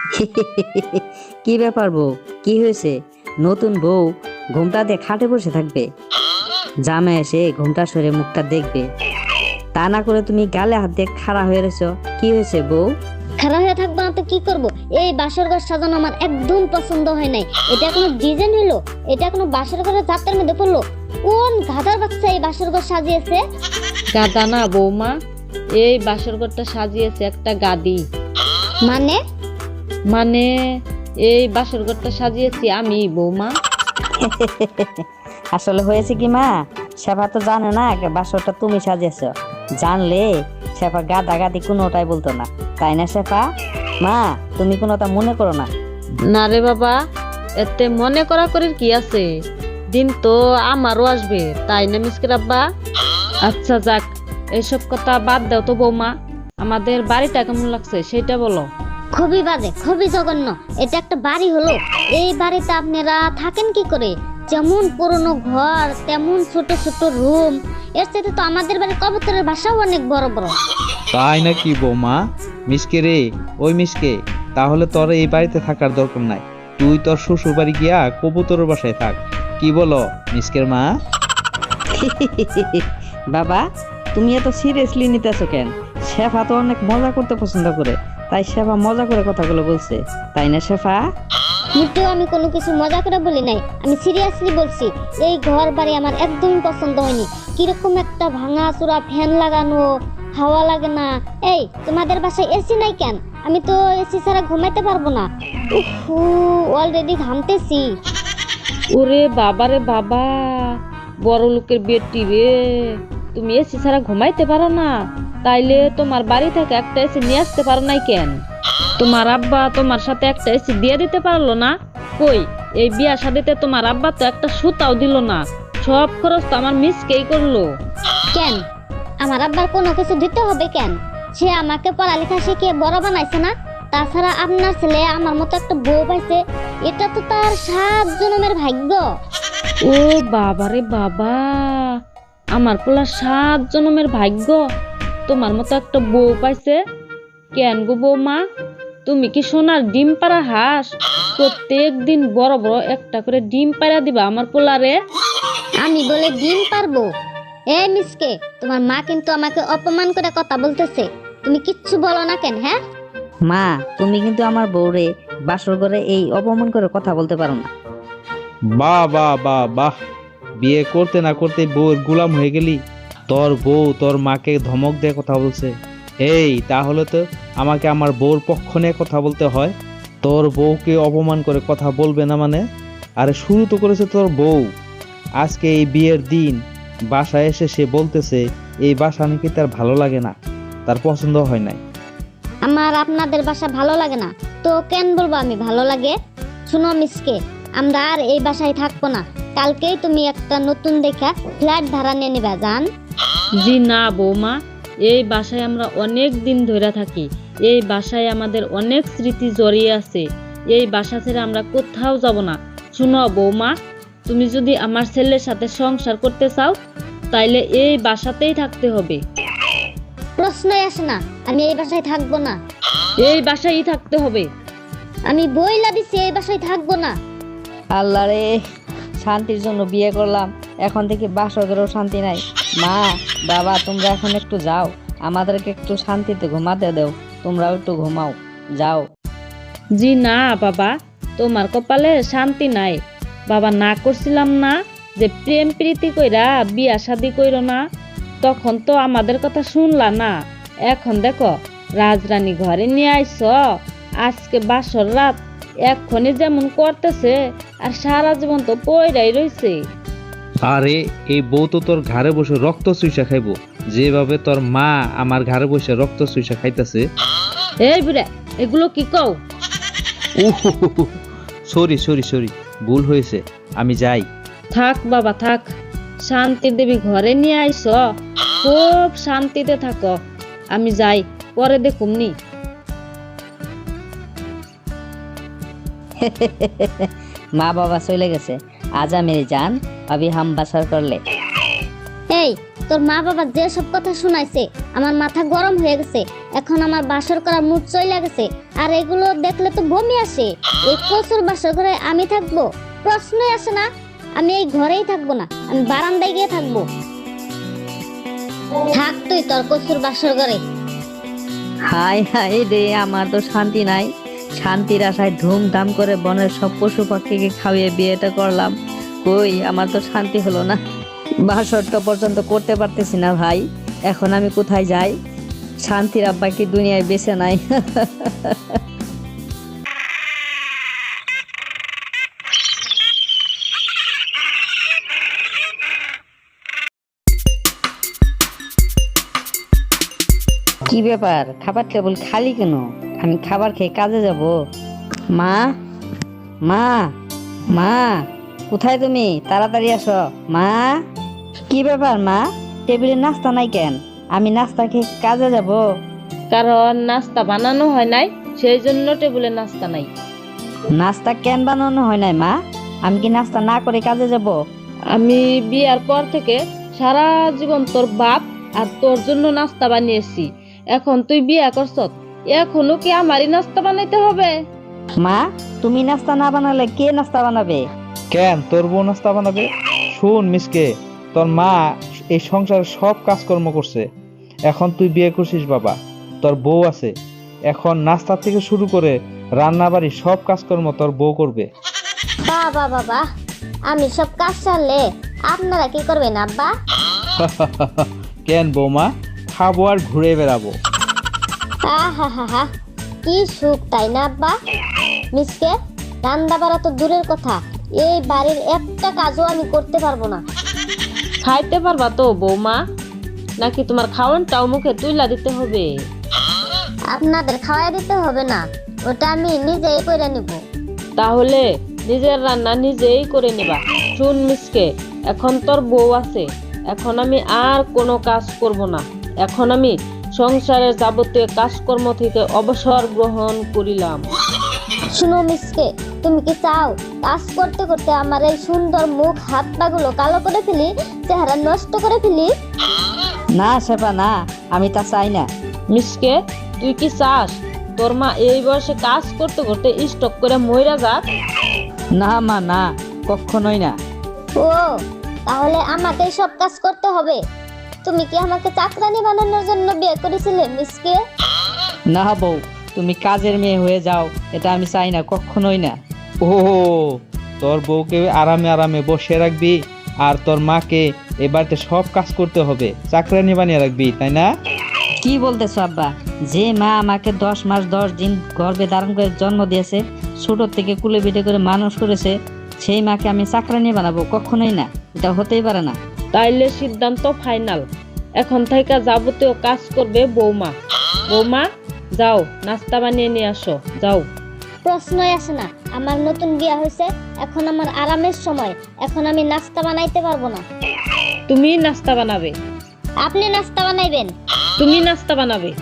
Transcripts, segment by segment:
কি ব্যাপার বউ, কি হয়েছে? নতুন বউ ঘুমটা দিয়ে খাটে বসে থাকবে, জামা এসে ঘুমটা সরে মুখটা দেখবে, তা না করে তুমি গালে হাত দিয়ে খাড়া হয়ে রয়েছো। কি হয়েছে বউ? খারাপ হয়ে থাকবো না তো কি করব? এই বাসর ঘর সাজানো আমার একদম পছন্দ হয় নাই। এটা কোনো ডিজাইন হলো? এটা কোনো বাসর ঘরের চাপটার মধ্যে পড়লো? কোন গাধার বাচ্চা এই বাসর ঘর সাজিয়েছে? গাদা না বৌমা, এই বাসর ঘরটা সাজিয়েছে একটা গাদি। মানে মানে এই বাসর ঘরটা সাজিয়েছি আমি বৌমা। আসলে হয়েছে কি মা, শেফা তো জানে না বাসরটা তুমি সাজিয়েছ। জানলে শেফা গাদা গাদি কোনোটাই বলতো না, তাই না শেফা? মা তুমি কোনোটা মনে করো না। না রে বাবা, এতে মনে করা করির কি আছে? দিন তো আমারও আসবে, তাই না মিসকের আব্বা? আচ্ছা যাক, এইসব কথা বাদ দাও তো বৌমা, আমাদের বাড়িটা কেমন লাগছে সেটা বলো। খুবই বাজে, খুবই জঘন্য। এটা একটা বাড়ি হলো? এই বাড়িতে আপনারা থাকেন কি করে? যেমন পুরনো ঘর তেমন ছোট ছোট রুম। এর সাথে তো আমাদের বাড়ির কবুতরের বাসাও অনেক বড় বড়। তাই নাকি বৌমা? মিসকে রে, ওই মিসকে, তাহলে তোর এই বাড়িতে থাকার দরকার নাই। তুই তোর শ্বশুর বাড়ি গিয়া কবুতরের বাসায় থাক। কি বলো মিসকের মা? বাবা তুমি এত সিরিয়াসলি নিতেছো কেন? শেফা তো অনেক মজা করতে পছন্দ করে, তাই শেফা মজা করে কথাগুলো বলছে, তাই না শেফা? কিন্তু আমি কোনো কিছু মজা করে বলি নাই, আমি সিরিয়াসলি বলছি। এই ঘর বাড়ি আমার একদমই পছন্দ হয়নি। কিরকম একটা ভাঙা চূড়া, ফ্যান লাগানো, হাওয়া লাগে না। এই তোমাদের বাসায় এসি নাই কেন? আমি তো এসি ছাড়া ঘুমাইতে পারবো না। উফু, অলরেডি ঘামতেছি। ওরে বাবা রে বাবা, বড় লোকের বেটি রে, তুমি এসি ছাড়া ঘুমাইতে পারো না? তাইলে তোমার বাড়ি থেকে একটা এসি নিয়ে আসতে পারো নাই কেন? তোমার আব্বা তোমার সাথে একটা এসি দিয়ে দিতে পারলো না? কই, এই বিয়া শাদিতে তোমার আব্বা তো একটা সুতাও দিল না, সব খরচ তো আমার মিসকেই করলো। কেন আমার আব্বার কোনো কিছু দিতে হবে কেন? সে আমাকে পড়ালেখা শিখিয়ে বড় বানাইছে না? তাছাড়া আপনার ছেলে আমার মতো একটা বউ পাইছে, এটা তো তার 7 জন্মের ভাগ্য। ও বাবা রে বাবা, আমার পোলা 7 জন্মের ভাগ্য তোমার মতো একটা বউ পাইছে। কেন গো বৌমা, তুমি কি সোনার ডিম পাড়া হাঁস? প্রত্যেক দিন বড় বড় একটা করে ডিম পাড়া দিবা আমার পোলারে? আমি বলে ডিম পারবো? এ মিসকে, তোমার মা কিন্তু আমাকে অপমান করে কথা বলতেছে। তুমি কিচ্ছু বলো না কেন? হ্যাঁ মা তুমি কিন্তু আমার বউরে বাসর ঘরে এই অপমান করে কথা বলতে পারো না। বাহ বাহ বাহ বাহ, বিয়ে করতে না করতে বউর গোলাম হয়ে গেলি। তোর বউ তোর মাকে ধমক দিয়ে কথা বলছে। এই তাহলে তো আমাকে আমার বউর পক্ষ নিয়ে কথা বলতে হয়। তোর বউকে অপমান করে কথা বলবে না মানে? আরে শুরু তো করেছে তোর বউ। আজকে এই বিয়ের দিন বাসায় এসে সে বলতেছে এই বাসা নাকি তার ভালো লাগে না, তার পছন্দ হয় নাই। আমার আপনাদের বাসা ভালো লাগে না তো কেন বলবো আমি ভালো লাগে? শুনো মিসকে, আমরা আর এই বাসায় থাকবো না। কালকেই তুমি একটা নতুন দেখা ফ্ল্যাট ভাড়া নিয়ে নিবা জান। জি না বৌমা, এই বাসায় আমরা অনেক দিন ধরে থাকি, এই বাসায় আমাদের অনেক স্মৃতি জড়িয়ে আছে। এই বাসা ছেড়ে আমরা কোথাও যাব না। শুনো বৌমা, তুমি যদি আমার ছেলের সাথে সংসার করতে চাও তাইলে এই বাসাতেই থাকতে হবে। প্রশ্নই আসে না, আমি এই বাসায় থাকবো না। এই বাসায়ই থাকতে হবে। আমি বইলা দিছি এই বাসায় থাকবো না। আল্লাহ রে, শান্তির জন্য বিয়ে করলাম, এখন থেকে বাসর ঘরেও শান্তি নাই। মা বাবা তোমরা এখন একটু যাও, আমাদেরকে একটু শান্তিতে ঘুমাতে দাও, তোমরাও একটু ঘুমাও, যাও। জি না বাবা, তোমার কপালে শান্তি নাই। বাবা না করছিলাম না যে প্রেম প্রীতি কইরা বিয়া শাদি কইরো না? তখন তো আমাদের কথা শুনলা না। এখন দেখো রাজরানী ঘরে নিয়ে আইস, আজকে বাসর রাত এক্ষণে যেমন করতেছে আর সারা জীবন তো পয়রাই রইছে। আরে এই বউ তো তোর ঘাড়ে বসে রক্ত চুইসা খাইবো, যেভাবে তোর মা আমার ঘাড়ে বসে রক্ত চুইসা খাইতেছে। এই বুড়া, এগুলো কি কও? সরি সরি সরি, ভুল হয়েছে, আমি যাই। থাক বাবা থাক, শান্তির দেবী ঘরে নিয়ে আইস, খুব শান্তিতে থাকো। আমি যাই, পরে দেখুমনি। মা বাবা চলে গেছে, আজ আমি জান अभी हम बसर कर ले। এই তোর মা বাবা যে সব কথা শুনাইছে আমার মাথা গরম হয়ে গেছে। এখন আমার বাসর করার মুড চলে গেছে। আর এগুলো দেখলে তো বমি আসে। এই কচুর বাসর ঘরে আমি থাকবো? প্রশ্নই আসে না। আমি এই ঘরেই থাকবো না, আমি বারান্দায় গিয়ে থাকবো। থাক তুই তোর কচুর বাসর ঘরে। হাই হাই রে, আমার তো শান্তি নাই। শান্তির আশায় ধুমধাম করে বনের সব পশু পাখিকে খাইয়ে বিয়েটা করলাম, কই আমার তো শান্তি হলো না। বাসরটা পর্যন্ত করতে পারতেছি না ভাই, এখন আমি কোথায় যাই? শান্তির আব্বা কি দুনিয়ায় বেঁচে নাই? কি ব্যাপার, খাবার টেবিল খালি কেন? আমি খাবার খেয়ে কাজে যাব। মা, মা, মা, কোথায় তুমি? তাড়াতাড়ি আসো মা। কি ব্যাপার মা, টেবিলে নাস্তা নাই কেন? আমি নাস্তা খেয়ে কাজে যাব। কারণ নাস্তা বানানো হয় নাই, সেই জন্য টেবিলে নাস্তা নাই। নাস্তা কেন বানানো হয় নাই মা? আমি কি নাস্তা না করে কাজে যাব? আমি বিয়ার পর থেকে সারা জীবন তোর বাপ আর তোর জন্য নাস্তা বানিয়েছি। এখন তুই বিয়া করছত, এখনো কি আমারই নাস্তা বানাইতে হবে? মা, তুমি নাস্তা না বানালে কে নাস্তা বানাবে? কেন তোর বউ নাস্তা বানাবে? শুন মিসকে, তোর মা এই সংসারের সব কাজকর্ম করছে। এখন তুই বিয়ে করছিস বাবা, তোর বউ আছে। এখন নাস্তা থেকে শুরু করে রান্না বাড়ি সব কাজকর্ম তোর বউ করবে। বাবা বাবা, আমি সব কাজ সারলে আপনারা কি করবেন আব্বা? কেন বৌমা, খাবো আর ঘুরে বেড়াবো। আহা হা হা, কি সুখ তাই না আব্বা? মিসকে, রান্না বাড়া তো দূরের কথা, এই বাড়ির একটা কাজও আমি করতে পারবো না। খাইতে পারবা তো বৌমা, নাকি তোমার খাওয়ানটাও মুখে তুইলা দিতে হবে? আপনাদের খাওয়াই দিতে হবে না, ওটা আমি নিজেই করে নিব। তাহলে নিজের রান্না নিজেই করে নিবা। শুন মিসকে, এখন তোর বউ আছে, এখন আমি আর কোনো কাজ করব না। এখন আমি সংসারের যাবতীয় কাজকর্ম থেকে অবসর গ্রহণ করিলাম। শুনো মিসকে, তুমি কি চাও কাজ করতে করতে আমার এই সুন্দর মুখ হাত পাগুলো কালো করে ফেলি, চেহারা নষ্ট করে ফেলি? না শেফা না, আমি তা চাই না। মিসকে, তুই কি চাস তোর মা এই বয়সে কাজ করতে করতে স্টক করে মইরা যাক? না মা, না, কখনোই না। ও, তাহলে আমাকে সব কাজ করতে হবে? তুমি কি আমাকে চাকরানি বানানোর জন্য বিয়ে করেছিলে মিসকে? না বউ, তুমি কাজের মেয়ে হয়ে যাও, এটা আমি চাই না, কখনোই না। ও, তোর বউকে আরামে আরামে বসে রাখবি আর তোর মাকে এ বাড়িতে সব কাজ করতে হবে, চাকরানি বানিয়ে রাখবি, তাই না? কি বলতেছো আব্বা? যে মা আমাকে 10 মাস 10 দিন গর্ভে ধারণ করে জন্ম দিয়েছে, ছোট থেকে কুলে পিঠে করে মানুষ করেছে, সেই মাকে আমি চাকরানি বানাবো? কখনোই না, এটা হতেই পারে না। তাইলে সিদ্ধান্ত ফাইনাল, এখন থেকে যাবতীয় কাজ করবে বৌমা। বৌমা, যাও নাস্তা বানিয়ে নিয়ে আসো, যাও। প্রশ্নই আসে না, আমার নতুন বিয়ে হয়েছে, এখন আমার আরামের সময়, এখন আমি নাস্তা বানাইতে পারবো না। তুমি নাস্তা বানাবে? আপনি নাস্তা বানাইবেন? তুমি নাস্তা বানাবে?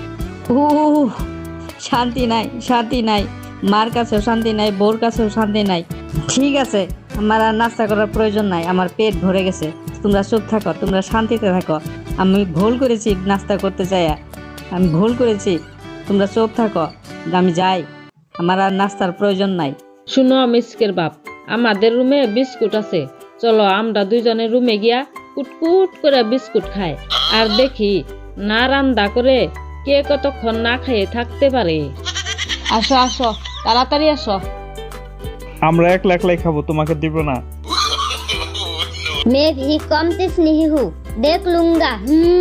শান্তি নাই, শান্তি নাই, মার কাছেও শান্তি নাই, বউর কাছেও শান্তি নাই। ঠিক আছে, আমার আর নাস্তা করার প্রয়োজন নাই, আমার পেট ভরে গেছে। তোমরা চুপ থাকো, তোমরা শান্তিতে থাকো। আমি ভুল করেছি নাস্তা করতে চাইয়া, আমি ভুল করেছি। তোমরা চুপ থাকো, আমি যাই, আমার আর নাস্তার প্রয়োজন নাই। শুনো মিসকের বাপ, আমাদের রুমে বিস্কুট আছে, চলো আমরা দুইজনে রুমে গিয়া কুটকুট করে বিস্কুট খাই, আর দেখি না রান্না করে কে কতক্ষণ না খেয়ে থাকতে পারে। আসো আসো, তাড়াতাড়ি আসো। আমরা একলা একলাই খাবো, তোমাকে দিব না। मैं भी कम तिस नहीं हूँ, देख लूंगा।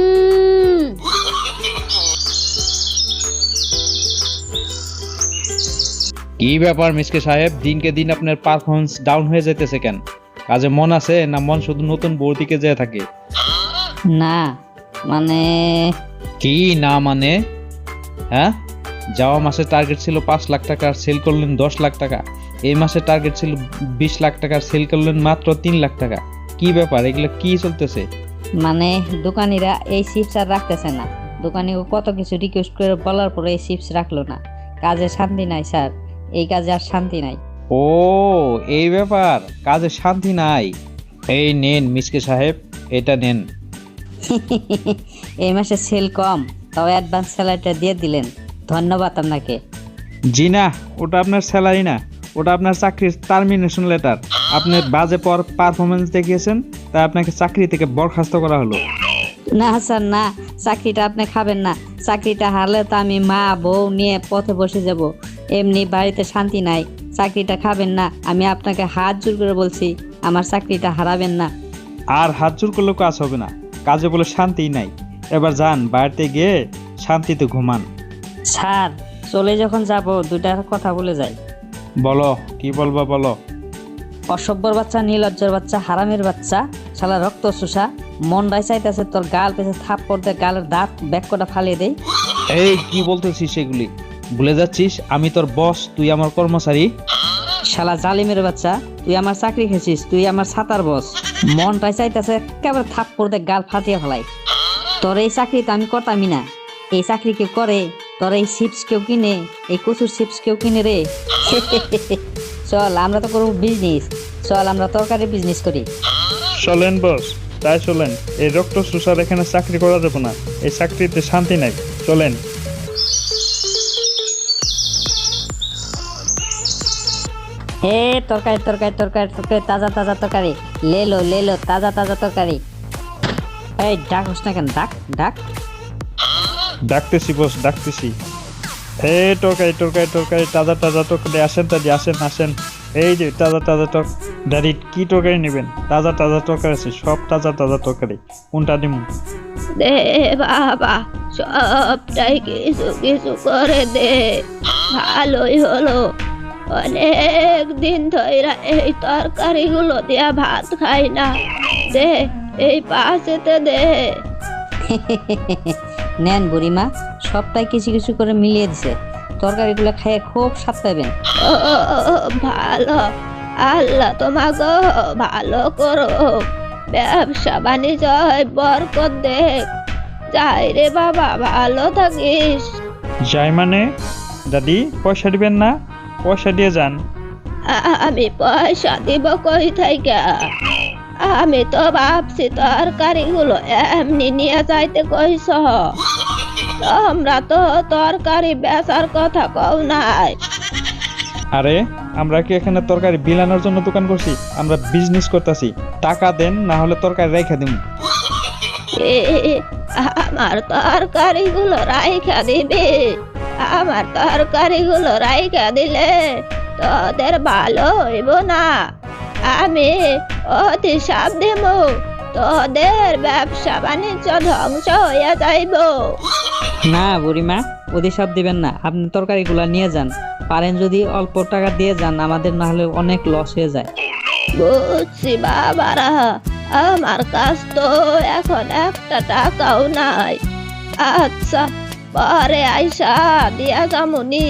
কি ব্যাপার মিসকে সাহেব, দিনকে দিন আপনার পারফরমেন্স ডাউন হয়ে যাইতেছে কেন? কাজে মন আছে না মন শুধু নতুন বউর দিকে যেয়ে থাকে? না মানে, কি না মানে? হ্যাঁ, যাওয়া মাসে টার্গেট ছিল 5 লাখ টাকা আর সেল করলেন 10 লাখ টাকা। এই মাসে টার্গেট ছিল 20 লাখ টাকা আর সেল করলেন মাত্র 3 লাখ টাকা। কি ব্যাপার, এগুলো কি চলতেছে? মানে দোকানিরা এই চিপস আর রাখতেছে না। দোকানি কত কিছু রিকোয়েস্ট করে বলার পরে এই চিপস রাখলো না। কাজে শান্তি নাই স্যার, এই কাজে আর শান্তি নাই। ও, এই ব্যাপার, কাজে শান্তি নাই। এই নেন মিসকে সাহেব, এটা নেন। এই মাসে সেল কম, তাও অ্যাডভান্স স্যালারিটা দিয়ে দিলেন, ধন্যবাদ আপনাকে। জি না, ওটা আপনার স্যালারি না, ওটা আপনার চাকরির টার্মিনেশন লেটার। আপনি বাজে পারফরমেন্স দেখিয়েছেন, তাই আপনাকে চাকরি থেকে বরখাস্ত করা হলো। না স্যার না, চাকরিটা আপনি খাবেন না। চাকরিটা হারলে তো আমি মা বউ নিয়ে পথে বসে যাব, এমনি বাড়িতে শান্তি নাই। চাকরিটা খাবেন না, আমি আপনাকে হাত জোর করে বলছি, আমার চাকরিটা হারাবেন না। আর হাত জোর করলেও কাজ হবে না, কাজে বলে শান্তিই নাই। এবার যান, বাড়িতে গিয়ে শান্তিতে ঘুমান। স্যার চলে যখন যাব দুইটা কথা বলে যাই। বলো, কি বলবা বলো। অসভ্যর বাচ্চা, নীলজ্জর বাচ্চা, হারামের বাচ্চা, শালা রক্ত চোষা, মনটাই চাইতেছে তোর গাল পেছে থাপ করতে, গালের দাঁত ব্যাকটা ফালিয়ে দেই। এই কি বলতেছিস সেগুলি? ভুলে যাচ্ছিস আমি তোর বস, তুই আমার কর্মচারী। শালা জালিমের বাচ্চা, তুই আমার চাকরি খেয়েছিস, তুই আমার ছাতার বস। মনটাই চাইতেছে একেবারে থাপ করতে গাল ফাটিয়ে ফেলাই। তোর এই চাকরি তো আমি করতামই না। এই চাকরি কেউ করে? তোর এই চিপস কেউ কিনে? এই কচুর চিপস কেউ কিনে রে? চল আমরা তো করবো বিজনেস, চল আমরা তরকারি বিজনেস করি। চলেন বস, তাই চলেন। এই রক্ত সুসার এখানে চাকরি করা যাবে না, এই চাকরিতে শান্তি নাই। চলেন। হে তরকারি তরকারি তরকারি তরকারি, তাজা তাজা তরকারি, লে লো তাজা তাজা তরকারি। এই ডাকস না কেন? ডাক ডাক। ডাকতেছি বস, ডাকতেছি। এই তরকারি তরকারি তরকারি, তাজা তাজা তরকারি, আসেন দাদি, আসেন আসেন। এই যে তাজা তাজা দাদি, কি তরকারি নেবেন? তাজা তাজা তরকারি আছে, সব তাজা তাজা তরকারি। কোনটা দিব? দে বাবা, সবটাই কিছু কিছু করে দে, ভালোই হলো। অনেক দিন ধরে এই তরকারিগুলো দিয়া ভাত খাই না, দে এই পাশেতে দে। নেন বুড়িমা, সবটাই কিছু কিছু করে মিলিয়ে দিছে, তরকারিগুলো খাইয়ে খুব স্বাদ পাবেন। ও ভালো, আল্লাহ তোমাকে ভালো করো, ব্যবসা বাণিজ্য বরকত দেখ। যাই রে বাবা, ভালো থাকিস। যাই মানে? দাদি পয়সা দিবেন না? পয়সা দিয়ে যান। আমি পয়সা দিব কই থাইকা? আমি তো ভাবছি তরকারিগুলো এমনি নিয়ে যাইতে কইছ, তোমরা তো তরকারি বেচার কথা কও নাই। আরে আমরা কি এখানে তরকারি বিলানোর জন্য দোকান করছি? আমরা বিজনেস করতেছি। টাকা দেন, না হলে তরকারি রেখে দিন। আমার তরকারিগুলো রাইখা দিবি? আমার তরকারিগুলো রাইখা দিলে তোদের ভালো হইব না। আমি অতিশাপ দেব, তোদের ব্যবসা বাণিজ্য ধ্বংস হইয়া যাইব। না বুড়িমা, অধিশাপ দিবেন না, আপনি তরকারিগুলো নিয়ে যান। পারেন যদি অল্প টাকা দিয়ে যান, আমাদের না হলে অনেক লস হয়ে যায়। বুঝছি বাবারা, আমার কাছ তো এখন একটা টাকাও নাই। আচ্ছা, পরে আইসা দিয়া যামুনি।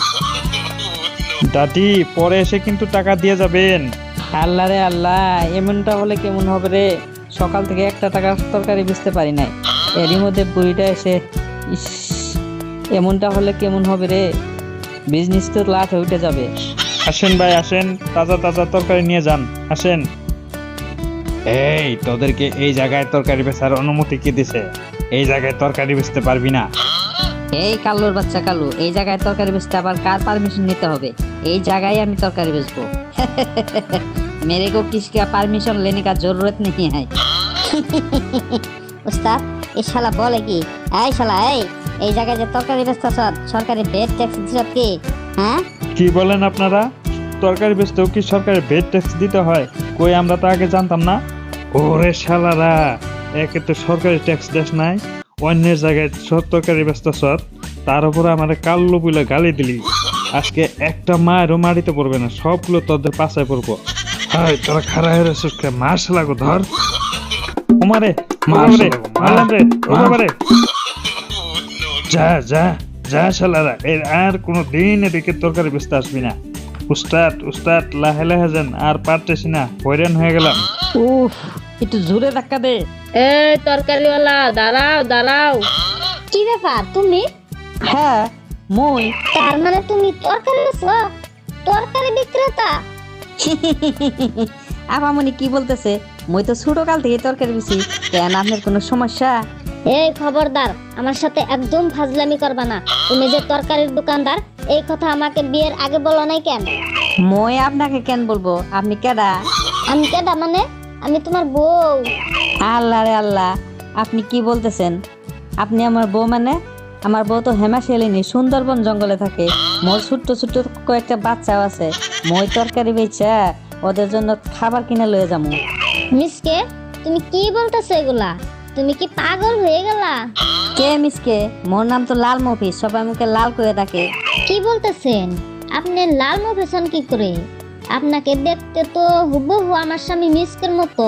দাদি পরে এসে কিন্তু টাকা দিয়ে যাবেন। আল্লাহ রে আল্লাহ, এমনটা হলে কেমন হবে রে? সকাল থেকে একটা টাকা তরকারি বুঝতে পারি নাই, এরই মধ্যে বুড়িটা এসে, ইস, এমনটা হলে কেমন হবে রে? বিজনেস তো লাঠে উঠে যাবে। আসেন ভাই আসেন, তাজা তাজা তরকারি নিয়ে যান, আসেন। এই তোদেরকে এই জায়গায় তরকারি বেচার অনুমতি কে দিছে? এই জায়গায় তরকারি বেচতে পারবি না। এই কালুর বাচ্চা কালু, এই জায়গায় তরকারি বেচতে আবার কার পারমিশন নিতে হবে? এই জায়গায় আমি তরকারি বেচবো। मेरे को किसका परमिशन लेने का जरूरत नहीं है। উস্তাদ, এই শালা বলে কি? এই শালা, এই জায়গায় যে তরকারি বেচতেছ, সরকারি ভেট ট্যাক্স দিছ কি? হ্যাঁ, কি বলেন আপনারা? তরকারি বেচতেও কি সরকারি ভেট ট্যাক্স দিতে হয়? কই, আমরা তো আগে জানতাম না। ওরে শালারা, একে তো সরকারি ট্যাক্স দেশ নাই, অন্যের জায়গায় সব তরকারি বেচতেছ, তার উপরে আমার কাল্লু বলে গালি দিলি। আজকে একটা মায়েরও মারিতে পড়বে না, সবগুলো তোদের পাশায় পড়বো। হাই, তোরা খাড়া হয়ে রয়েছিস, মার শালাগো, ধর। ওমারে মারলে মারলাম রে, ও বাবারে। যা যা যা শালারা, এর আর কোনো দিন এদিকে তরকারি বেচতে আসবি না। উস্তাদ উস্তাদ, লাহে লাহে যান, আর পারতেছি না, হয়রান হয়ে গেলাম। উফ, একটু জোরে ধাক্কা দে। এই তরকারিওয়ালা, দাঁড়াও দাঁড়াও। কি ব্যাপার তুমি? হ্যাঁ মই। তার মানে তুমি তরকারি বেচো? তরকারি বিক্রেতা? আপামনি কি বলতেছে? মই তো ছোট কাল থেকে তরকারি বেশি, কেন আপনার কোনো সমস্যা? এই খবরদার, আমার সাথে একদম ফাজলামি করবা না। তুমি যে তরকারির দোকানদার, এই কথা আমাকে বিয়ের আগে বলো নাই কেন? মই আপনাকে কেন বলবো? আপনি কেডা? আমি কেডা মানে? আমি তোমার বউ। আল্লাহ রে আল্লাহ, আপনি কি বলতেছেন? আপনি আমার বউ মানে? আমার বউ তো হেমাশালিনী সুন্দরবন জঙ্গলে থাকে। মোর ছোট্ট ছোট্ট কয়েকটা বাচ্চাও আছে। মই তরকারি বেচা ওদের জন্য খাবার কিনে লয়ে যাবো। মিসকে, তুমি কি বলতেছো এগুলা? তুমি কি পাগল হয়ে গেলা? কে মিসকে? মোর নাম তো লাল মফিজ, সবাই মুখে লাল করে ডাকে। কি বলতেছেন? আপনি লাল মুভেশন কি করে? আপনাকে দেখতে তো হুবহু আমার স্বামী মিসকের মতো।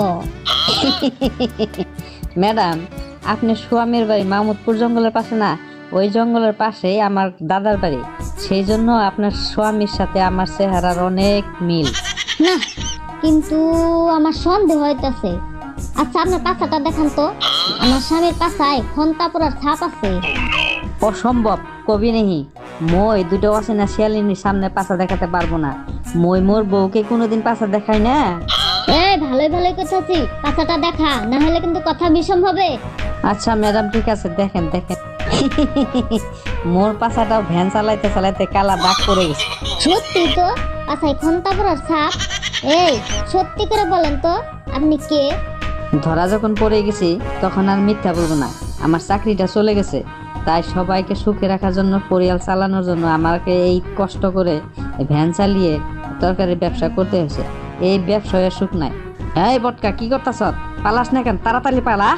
ম্যাডাম, আপনি স্বামীর বাড়ি মাহমুদপুর জঙ্গলের পাশে না? ওই জঙ্গলের পাশেই আমার দাদার বাড়ি। সেই জন্য আপনার স্বামীর সাথে আমার চেহারার অনেক মিল। না, কিন্তু আমার সন্দেহ হইতাছে। আচ্ছা, আপনার পাছাটা দেখান তো। আমার স্বামীর পাছায় খন্তাপুরার ছাপ আছে। অসম্ভব, কবি নেহি। মই দুটো অচেনা শিয়ালিনীর সামনে পাছা দেখাতে পারবো না। মই মোর বউকে কোনোদিন পাছা দেখাই না। এই ভালোই ভালোই কথাছি, পাছাটা দেখা, না হলে কিন্তু কথা বিষম হবে। আচ্ছা ম্যাডাম, ঠিক আছে, দেখেন দেখেন। মোর পাছাটাও ভ্যান চালাইতে চালাইতে কালা দাগ পড়ে গেছে। সত্যি তো, পাছায় খন্তাপুরার ছাপ। এই সত্যি করে বলেন তো, আপনি কে? ধরা যখন পড়ে গেছি তখন আর মিথ্যা বলবো না। আমার চাকরিটা চলে গেছে, তাই সবাইকে সুখে রাখার জন্য, পরিবার চালানোর জন্য আমাকে এই কষ্ট করে ভ্যান চালিয়ে তরকারির ব্যবসা করতে হয়েছে। এই ব্যবসায় সুখ নাই। এই বটকা, কি করতেছ? পালাস না কেন? তাড়াতাড়ি পালা।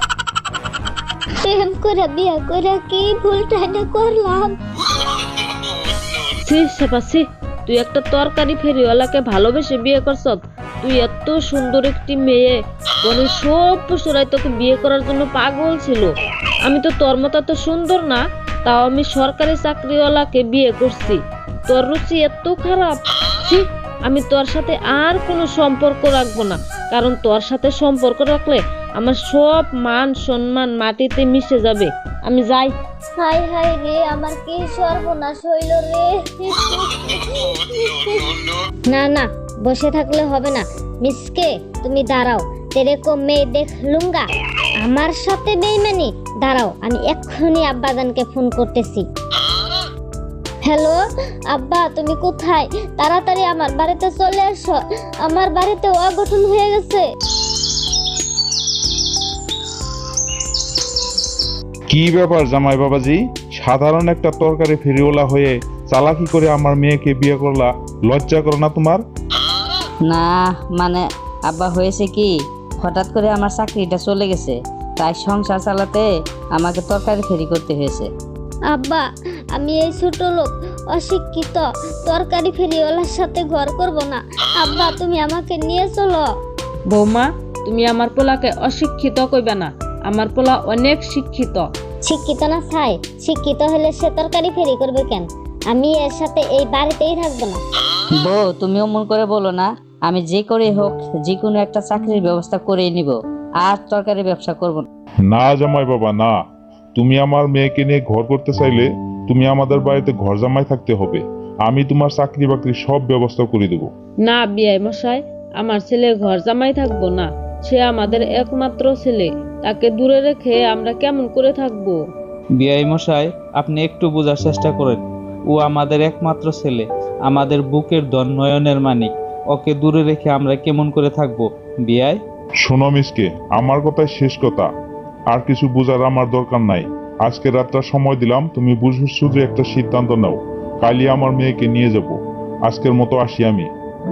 প্রেম করে বিয়ে করে কি ভুলটাই না করলাম। ছি সেপাছি, তুই একটা তরকারি ফেরিওয়ালাকে ভালোবেসে বিয়ে করছ? তুই এত সুন্দর একটি মেয়ে, বনের সব পশুরাই তোকে বিয়ে করার জন্য পাগল ছিল। আমি তো তোর মতো এত সুন্দর না, তাও আমি সরকারি চাকরিওয়ালাকে বিয়ে করছি। তোর রুচি এত খারাপ। ছি, আমি তোর সাথে আর কোনো সম্পর্ক রাখবো না, কারণ তোর সাথে সম্পর্ক রাখলে আমার সব মান সম্মান মাটিতে মিশে যাবে। আমি যাই। হাই হাই রে, আমার কি সর্বনাশ হইল রে। না না, বসে থাকলে হবে না। মিসকে, তুমি দাঁড়াও, তেরে কো মে দেখ লুঙ্গা। আমার সাথে বেইমানি? দাঁড়াও, আমি এক্ষুনি আব্বাজানকে ফোন করতেছি। হ্যালো আব্বা, তুমি কোথায়? তাড়াতাড়ি আমার বাড়িতে চলে এসো। আমার বাড়িতে অঘটন হয়ে গেছে। কি ব্যাপার জামাই বাবাজি? সাধারণ একটা তরকারি ফেরিওয়ালা হয়ে চালাকি করে আমার মেয়েকে বিয়ে করলা, লজ্জা করো না তোমার? না মানে আব্বা, হয়েছে কি, হঠাৎ করে আমার চাকরিটা চলে গেছে, তাই সংসার চালাতে আমাকে তরকারি ফেরি করতে হয়েছে। আব্বা, আমি এই ছোট লোক অশিক্ষিত তরকারি ফেরিওয়ালার সাথে ঘর করব না। আব্বা, তুমি আমাকে নিয়ে চলো। বৌমা, তুমি আমার পোলাকে অশিক্ষিত কইবে না। আমার পোলা অনেক শিক্ষিত। শিক্ষিত না ছাই, শিক্ষিত হলে সে তরকারি ফেরি করবে কেন? আমি এর সাথে এই বাড়িতেই থাকবো না। বউ, তুমি অমন করে বলো না। আমি যে করে হোক যে কোনো একটা চাকরির ব্যবস্থা করেই নিব, আর তরকারি ব্যবসা করব না। না জামাই বাবা না, তুমি আমার মেয়েকে নিয়ে ঘর করতে চাইলে তুমি আমাদের বাড়িতে ঘর জামাই থাকতে হবে। আমি তোমার চাকরি বাকরি সব ব্যবস্থা করে দেবো। না বিয়াই মশাই, আমার ছেলে ঘর জামাই থাকবো না। সে আমাদের একমাত্র ছেলে, তাকে দূরে রেখে আমরা কেমন করে থাকবো? বিআই মশাই, আপনি একটু বোঝার চেষ্টা করেন। ও আমাদের একমাত্র ছেলে, আমাদের বুকের ধন, নয়নের মানিক। ওকে দূরে রেখে আমরা কেমন করে থাকবো বিআই? শোনো মিসকে, আমার কথাই শেষ কথা, আর কিছু বোঝার আমার দরকার নাই। আজকে রাতটা সময় দিলাম, তুমি বুঝে শুধু একটা সিদ্ধান্ত নাও। কালই আমার মেয়েকে নিয়ে যাব। আজকের মতো আসি আমি।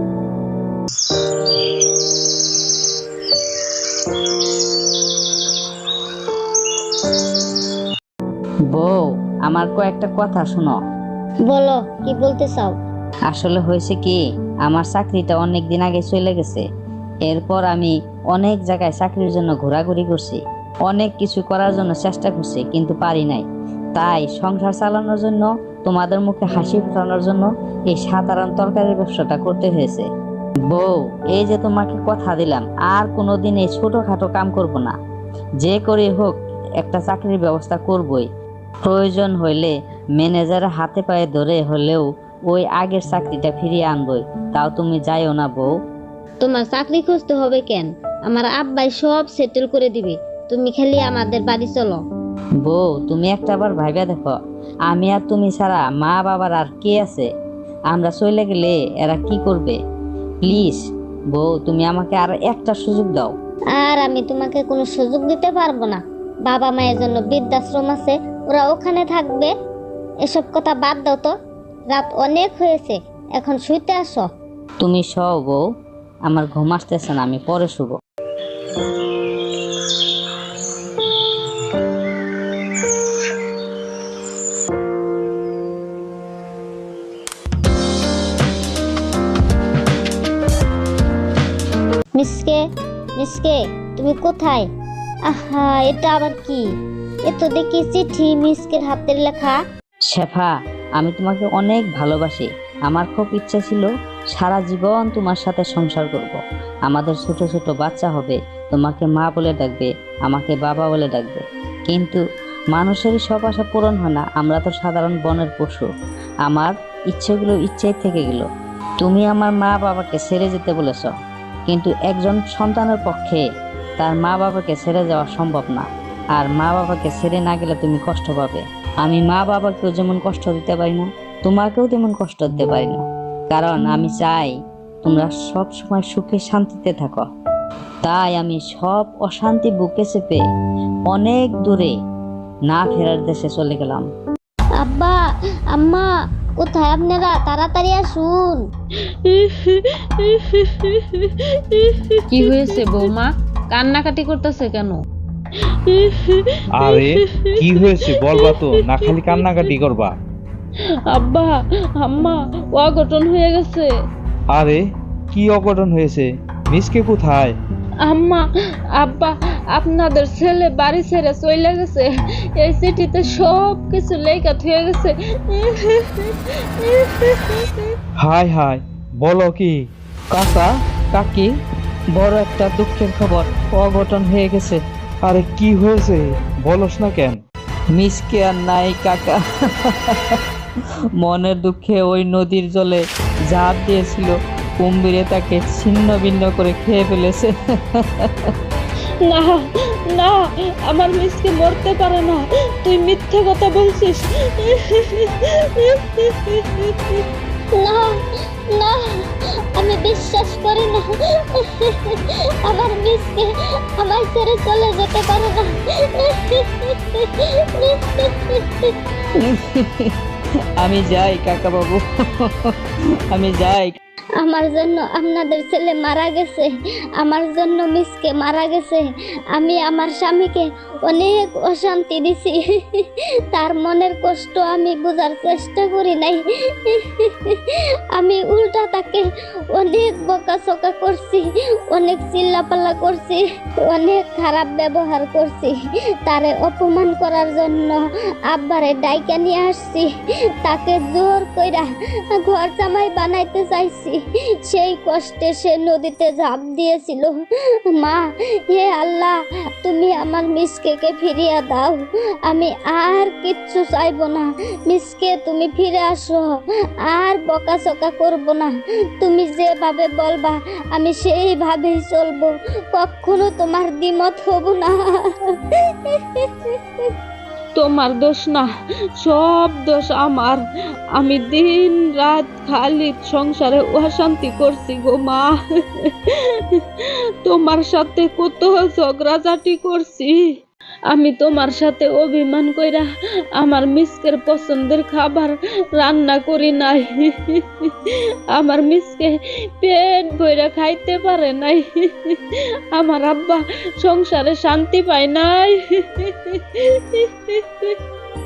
বউ, আমার কয়েকটা কথা শোনো। বলো, কি বলতে চাও? আসলে হয়েছে কি, আমার চাকরিটা অনেক দিন আগে চলে গেছে। এরপর আমি অনেক জায়গায় চাকরির জন্য ঘোরাঘুরি করছি, অনেক কিছু করার জন্য চেষ্টা করছি, কিন্তু পারি নাই। তাই সংসার চালানোর জন্য, তোমাদের মুখে হাসি ফোটানোর জন্য এই সাধারণ তরকারির ব্যবসাটা করতে হয়েছে। বউ, এই যে তোমাকে কথা দিলাম, আর কোনোদিন এই ছোটখাটো কাম করব না। যে করে হোক একটা চাকরির ব্যবস্থা করবই। প্রয়োজন হইলে ম্যানেজারের হাতে পায়ে ধরে হলেও ওই আগের চাকরিটা ফিরিয়ে আনবই। তাও তুমি যাইও না বউ। তোমার চাকরি খুঁজতে হবে কেন? আমার আব্বাই সব সেটেল করে দিবে। তুমি খালি আমাদের বাড়ি চলো। বউ তুমি একটা বার ভাইবা দেখো, আমি আর তুমি ছাড়া মা বাবার আর কে আছে? আমরা চলে গেলে এরা কি করবে? প্লিজ বউ তুমি আমাকে আর একটা সুযোগ দাও। আর আমি তোমাকে কোনো সুযোগ দিতে পারবো না। বাবা মায়ের জন্য বৃদ্ধাশ্রম আছে, ওরা ওখানে থাকবে। এসব কথা বাদ দাও তো, রাত অনেক হয়েছে, এখন শুইতে আসো। তুমি সও বউ, আমার ঘুম আসতেছে না, আমি পরে শুব। মিসকে, মিসকে, তুমি কোথায়? আহা, এটা আবার কি? এ তো দেখি চিঠি, মিসকের হাতের লেখা। শেফা, আমি তোমাকে অনেক ভালোবাসি। আমার খুব ইচ্ছা ছিল সারা জীবন তোমার সাথে সংসার করব। আমাদের ছোট ছোট বাচ্চা হবে, তোমাকে মা বলে ডাকবে, আমাকে বাবা বলে ডাকবে। কিন্তু মানুষেরই সব আশা পূরণ হয় না, আমরা তো সাধারণ বনের পশু। আমার ইচ্ছেগুলো ইচ্ছেই থেকে গেল। তুমি আমার মা বাবাকে ছেড়ে যেতে বলেছ, কিন্তু একজন সন্তানের পক্ষে তার মা বাবাকে ছেড়ে যাওয়া সম্ভব না। আর মা বাবাকে ছেড়ে না গেলে তুমি কষ্ট পাবে। আমি মা বাবাকেও যেমন কষ্ট দিতে পারি না, তোমাকেও তেমন কষ্ট দিতে পারি না, কারণ আমি চাই তোমরা সব সময় সুখে শান্তিতে থাকো। তাই আমি সব অশান্তি বুকে চেপে অনেক দূরে না ফেরার দেশে চলে গেলাম। আব্বা, আম্মা, কোথায় আপনারা? তাড়াতাড়ি আসুন। কি হয়েছে বৌমা, কান্নাকাটি করতেছে কেন? আরে কি হয়েছে বলবা তো, না খালি কান্নাকাটি করবা। আব্বা আম্মা, অঘটন হয়ে গেছে। আরে কি অঘটন হয়েছে? মিসকে কোথায়? আম্মা আব্বা, আপনাদের ছেলে বাড়ি ছেড়ে চলে গেছে। এই চিঠিতে সব কিছু লেখা হয়ে গেছে। হায় হায়, বলো কি? কাকা কাকি, বড় একটা দুঃখের খবর, অঘটন হয়ে গেছে। আরে কি হয়েছে বলস না কেন? মিসকে আর নাই কাকা। মনের দুঃখে ওই নদীর জলে ঝাঁপ দিয়েছিল, কুম্ভীরে তাকে ছিন্ন ভিন্ন করে খেয়ে ফেলেছে। না না, আমার মিসকে মরতে পারে না, তুই মিথ্যে কথা বলছিস। না না, আমি বিশ্বাস করি না। আমার মিসকে আমায় ছেড়ে চলে যেতে পারে না। আমি যাই কাকা বাবু, আমি যাই। আমার জন্য আপনাদের ছেলে মারা গেছে, আমার জন্য মিসকে মারা গেছে। আমি আমার স্বামীকে অনেক অশান্তি দিছি, তার মনের কষ্ট আমি বোঝার চেষ্টা করি নাই। আমি উল্টা তাকে অনেক বকাঝকা করছি, অনেক চিল্লাপাল্লা করছি, অনেক খারাপ ব্যবহার করছি। তারে অপমান করার জন্য আব্বারে ডাইকা নিয়ে আসছি, তাকে জোর কইরা ঘর জামাই বানাইতে চাইছি। সেই কষ্টে সে নদীতে ঝাঁপ দিয়েছিল। মা, হে আল্লাহ, তুমি আমার মিসকেকে ফিরিয়ে দাও। আমি আর কিচ্ছু চাইবো না। মিসকে তুমি ফিরে আসো, আর বকাঝকা করব না। তুমি যেভাবে বলবা আমি সেইভাবেই চলবো, কখনো তোমার দ্বিমত হব না। তোমার দোষ না, সব দোষ আমার। আমি দিন রাত খালি সংসারে অশান্তি করছি গো মা। তোমার সাথে কত ঝগড়াঝাটি করছি। আমি তোমার সাথে অভিমান কইরা আমার মিসকের পছন্দের খাবার রান্না করি নাই। আমার মিসকে পেট ভইরা খাইতে পারে নাই। আমার আব্বা সংসারে শান্তি পায় নাই।